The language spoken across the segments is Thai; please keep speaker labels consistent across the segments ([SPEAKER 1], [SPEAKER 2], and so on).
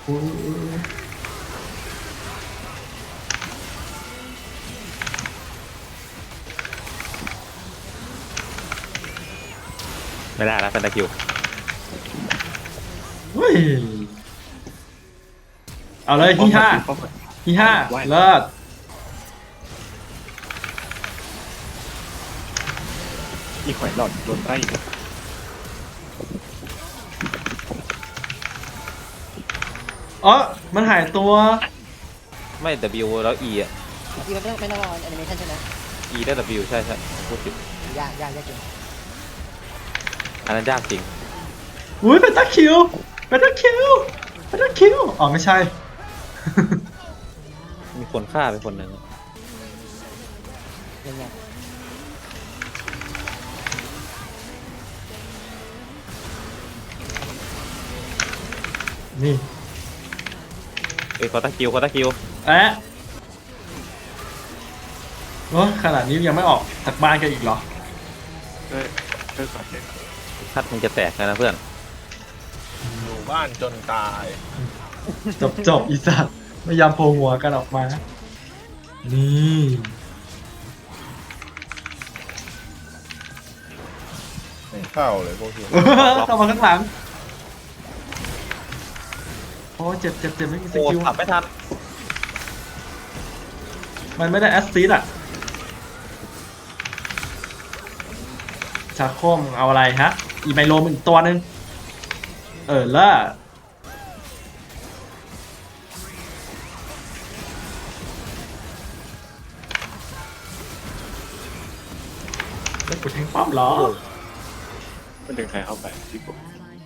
[SPEAKER 1] อุ๊ย
[SPEAKER 2] ไม่ได้แล้วเป็นตะคิว
[SPEAKER 1] เฮ้ยเอาเลยที่ห้าที่ห้าเลิศ
[SPEAKER 3] อีหอยหลอดโดนไล่
[SPEAKER 1] อ๋อมันหายตัว
[SPEAKER 2] ไม่ W แล้ว E อ่ะ
[SPEAKER 4] ที่มันไม่ต้องรอแอนิเมชันใช่ไหม
[SPEAKER 2] E ได้ W ใช่ใช่พูดผิด
[SPEAKER 4] ยากจริง
[SPEAKER 2] อันนั้นยากจริง
[SPEAKER 1] อุ้ยเป็นตะคิวเป็นตะคิวเป็นตะคิวอ๋อไม่ใช่
[SPEAKER 2] มีคนฆ่าไปคนหนึ่ง
[SPEAKER 4] ยังไง
[SPEAKER 1] นี่
[SPEAKER 2] เอ้ยคอตะคิวคอตะคิว
[SPEAKER 1] แอะโอ้ขนาดนี้ยังไม่ออกจากบ้านกันอีกเหรอ
[SPEAKER 3] ช่วยก่อนเลย
[SPEAKER 2] คัดมึงจะแตกแล้วนะเพื่อน
[SPEAKER 5] อยู่บ้านจนตาย
[SPEAKER 1] จบอีสัตว์ไม่ยอมโผล่หัวกันออกมา นี่
[SPEAKER 5] ไม่เข้าเลยพวกเฮีย
[SPEAKER 1] เข้ามาข้างหลังโอ้เจ็บไม่มีส
[SPEAKER 2] โอ้
[SPEAKER 1] กิล
[SPEAKER 2] ขับไม่ทัน
[SPEAKER 1] มันไม่ได้แอสซิสอะชาโคมเอาอะไรฮะ อีไมโลมันอีกตัวหนึงเลิศแล้วกูแทงป้อมเหรอ
[SPEAKER 3] มันดึงใครเข้าไปที่ผม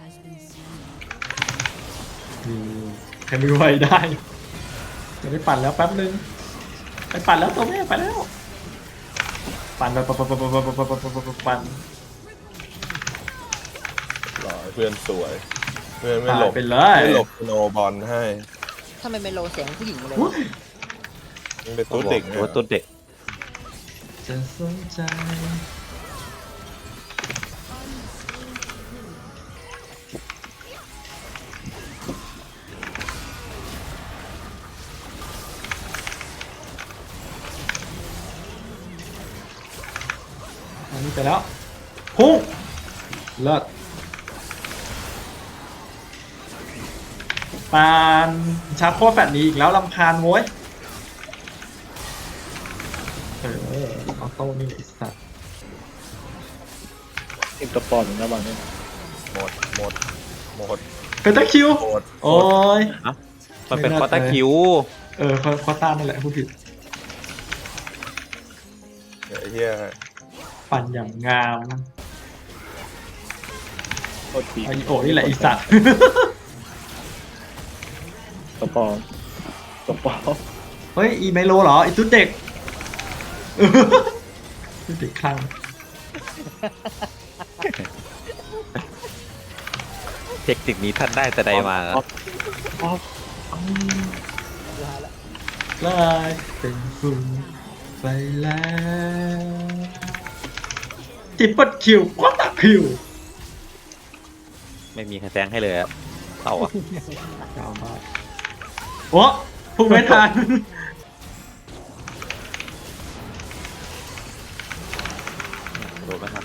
[SPEAKER 1] ใครไม่ไหวได้ จะได้ปั่นแล้วแป๊บนึง ไปปั่นแล้วตัวแม่ไปแล้ว ปั่นปั่น
[SPEAKER 5] หล่อเพื่อนสวย เพื่อนไม่
[SPEAKER 1] ตา
[SPEAKER 5] หล
[SPEAKER 1] ย
[SPEAKER 5] บ
[SPEAKER 1] ไปเลย
[SPEAKER 5] ไม่หลบโนบอลให้
[SPEAKER 4] ถ้ามันเป็นโลเสียงผู้หญิงเลย
[SPEAKER 1] อุ๊ย
[SPEAKER 5] มันเป็นตุ๊ดเด็ก
[SPEAKER 2] ตัวตัวเด็ก
[SPEAKER 1] จะสนใจอันนี้ไปแล้วพุ่งเลิศปานชาร์จโคตรแฟดนี้อีกแล้วลำคาญโว้ยออโต้นี่ไอ้สัตว์
[SPEAKER 3] อินเตอร์ปอนหรือหน้าบ้านเนี่ย
[SPEAKER 5] หมด
[SPEAKER 1] เป็นตะคิว
[SPEAKER 5] หมด
[SPEAKER 1] โอ้ย
[SPEAKER 2] มันเป็น
[SPEAKER 1] ไม่น่า
[SPEAKER 2] คอตะคิว
[SPEAKER 1] เขาต้านนั่นแหละพูดผิด
[SPEAKER 5] ไอ้เฮีย
[SPEAKER 1] ปั่นอย่างงาม
[SPEAKER 3] โคตรปี
[SPEAKER 1] ไอโอนี่แหละไอีสัตว์
[SPEAKER 3] ตะปอนตะปอน
[SPEAKER 1] เฮ้ย อีไมโลเหรอไอตุ๊ดเด็ก ตุ๊ดเด็กคลั่ง
[SPEAKER 2] เทคนิคนี้ท่านได้แต่ใดมา
[SPEAKER 3] ป๊อป
[SPEAKER 1] ลายเป็นฝุ่นไปแล้วทิปเปิลคิวควอตาคิว
[SPEAKER 2] ไม่มีใครแซงให้เลยอะเต่าอะ
[SPEAKER 1] ยาวมากโอ้พุ่งไม่ทัน
[SPEAKER 2] โดนไหมครับ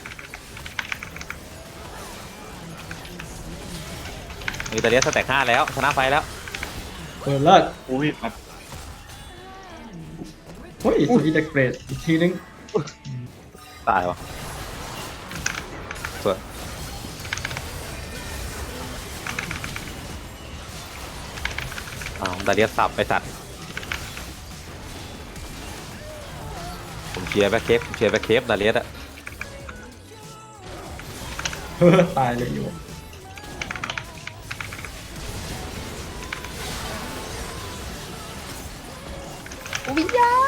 [SPEAKER 2] มีตาเลียสแต็ก5แล้วชนะไฟแล้ว
[SPEAKER 1] เลิศ
[SPEAKER 3] อุ้ยปัด
[SPEAKER 1] เฮ้ยสุดอีเด็กเกรดอีกทีนึง
[SPEAKER 2] ตายวะสวยอ้าวตาเลียสับไปสัตว์ผมเชียร์แบ็คเคฟผมเชียร์แบ็คเคฟตาเลียอะ
[SPEAKER 1] ตายเลยอยู่
[SPEAKER 4] วิญญาณ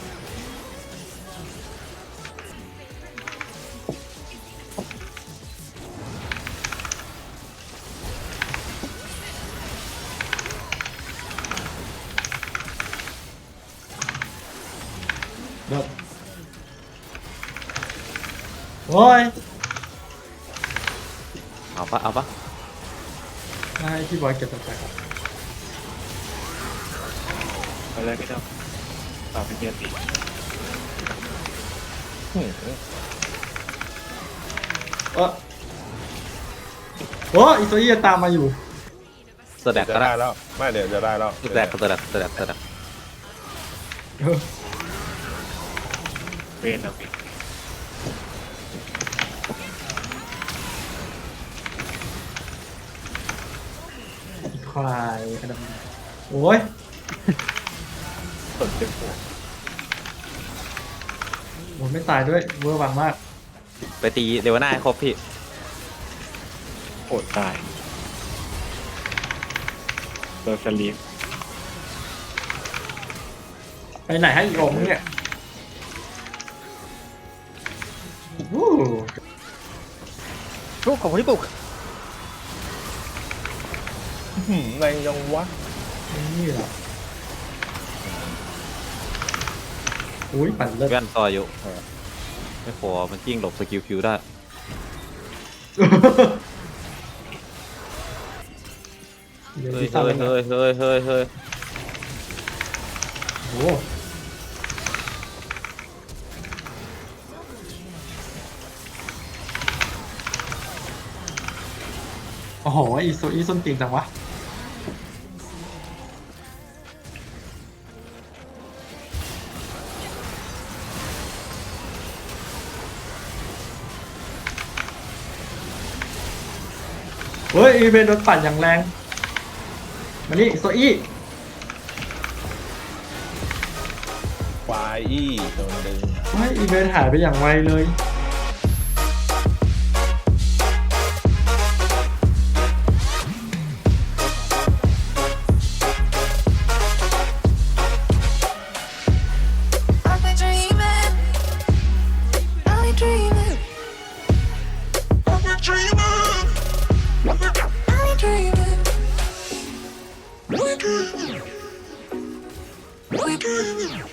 [SPEAKER 1] เลิศโอ้ย
[SPEAKER 2] เอาปะ
[SPEAKER 1] ให้พี่บอยเก็บตัวไปครับ
[SPEAKER 3] อะไรไม่ได้ตามไปเกียร์ตี
[SPEAKER 5] หืม
[SPEAKER 1] โอ้อีโซอี้ตามมาอยู่
[SPEAKER 2] สแต็ก
[SPEAKER 5] จะ
[SPEAKER 2] ก็
[SPEAKER 5] ได้
[SPEAKER 2] ได้
[SPEAKER 5] แล้วไม่เดี๋ยวจะได้แล้ว
[SPEAKER 2] สแต็กสแต็กสแต็กสแต็ก
[SPEAKER 3] เวนเอาไป
[SPEAKER 1] อีควายอันดับโอ้ย
[SPEAKER 3] สนเจ็บหัว
[SPEAKER 1] โหไม่ตายด้วยเวอร์วังมาก
[SPEAKER 2] ไปตีเดวน่าให้ครบพี่
[SPEAKER 3] โหดตายโดนสลีป
[SPEAKER 1] ไปไหนให้อีกองค์เนี่ยวู้
[SPEAKER 4] ลูกของคนที่ปลุก
[SPEAKER 5] หืมแรงยังวะ
[SPEAKER 1] นี่เหรออุ้ยปั่นเลิศ
[SPEAKER 2] แว่นต่ออยู่ไม่พอมันกิ้งหลบสกิลคิวได้
[SPEAKER 1] เดี๋ยว
[SPEAKER 2] เฮ้ย
[SPEAKER 1] ที่สร้าง
[SPEAKER 2] เฮ้ย
[SPEAKER 1] ไว้
[SPEAKER 2] เฮ้ยเฮ้ยเฮ้ยเฮ้ย
[SPEAKER 1] โอ้โอ้โหอีโซอีส้นตีนจังวะเฮ้ยอีเวนโดนปั่นอย่างแรงมานี่โซอี้
[SPEAKER 5] ควายอี้โดนดึง
[SPEAKER 1] เฮ้ยอีเวนหายไปอย่างไวเลย
[SPEAKER 6] I've been dreaming. I've been dreaming. I've been dreaming. I've been dreaming. I've been dreaming. I've been dreaming.